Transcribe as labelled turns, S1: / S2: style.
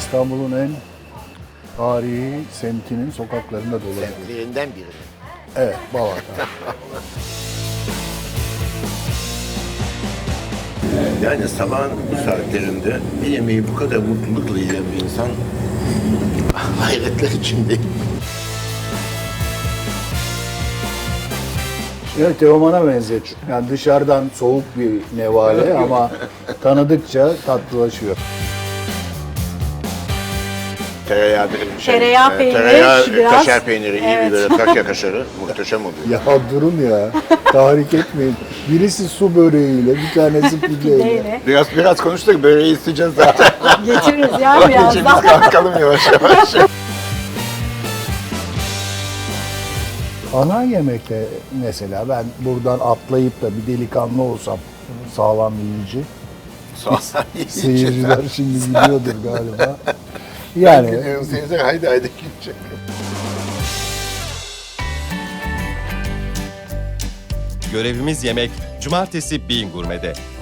S1: İstanbul'un en tarihi semtinin sokaklarında dolaşıyor.
S2: Semtlerinden biri.
S1: Evet, Balat'a.
S2: Yani sabahın bu saatlerinde bir yemeği bu kadar mutlulukla yiyen bir insan hayretler içindeyim.
S1: Evet, Teoman'a benziyor. Yani dışarıdan soğuk bir nevale ama tanıdıkça tatlılaşıyor.
S3: Tereyağı peyniri,
S2: tereyağı,
S3: biraz.
S2: kaşar peyniri, iyi
S3: Evet.
S2: bir böyle Trakya kaşarı muhteşem oluyor.
S1: Ya durun ya, tahrik etmeyin. Birisi su böreğiyle, bir tanesi pideyle.
S3: Neyle?
S2: Biraz konuştuk, böreği isteyeceğiz zaten.
S3: Getiririz ya
S2: Biz
S3: birazdan.
S2: kalkalım yavaş yavaş.
S1: Ana yemekte mesela ben buradan atlayıp da bir delikanlı olsam sağlam yiyici. Seyirciler şimdi biliyordur galiba. Yani
S2: Seyirciler haydi gidecek.
S4: Görevimiz yemek. Cumartesi Bean Gurme'de.